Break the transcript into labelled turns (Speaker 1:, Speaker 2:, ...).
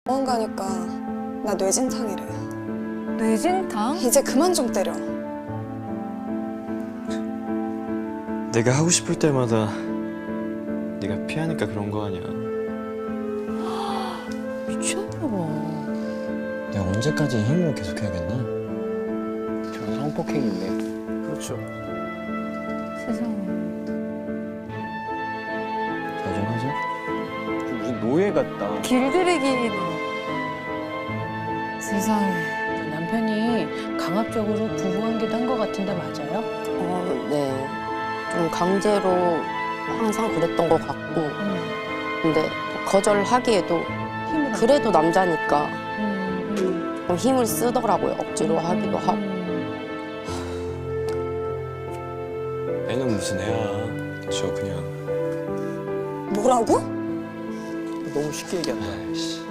Speaker 1: 병원 가니까 나 뇌진탕이래.
Speaker 2: 뇌진탕?
Speaker 1: 이제 그만 좀 때려.
Speaker 3: 내가 하고 싶을 때마다 네가 피하니까 그런 거 아니야.
Speaker 2: 미쳤나 봐.
Speaker 4: 내가 언제까지 이 힘으로 계속해야겠나?
Speaker 5: 저는 성폭행인데.
Speaker 3: 그렇죠.
Speaker 2: 세상에.
Speaker 4: 잘 좀 하자.
Speaker 5: 무슨 노예 같다.
Speaker 2: 길들이기. 세상에.
Speaker 6: 남편이 강압적으로 부부관계도 한 것 같은데 맞아요?
Speaker 7: 네. 좀 강제로 항상 그랬던 것 같고, 근데 거절하기에도
Speaker 6: 힘을
Speaker 7: 그래도 남자니까 좀 힘을 쓰더라고요. 억지로 하기도 하고.
Speaker 3: 애는 무슨 애야. 저 그냥.
Speaker 1: 뭐라고?
Speaker 5: 너무 쉽게 얘기한다.
Speaker 3: 아이씨.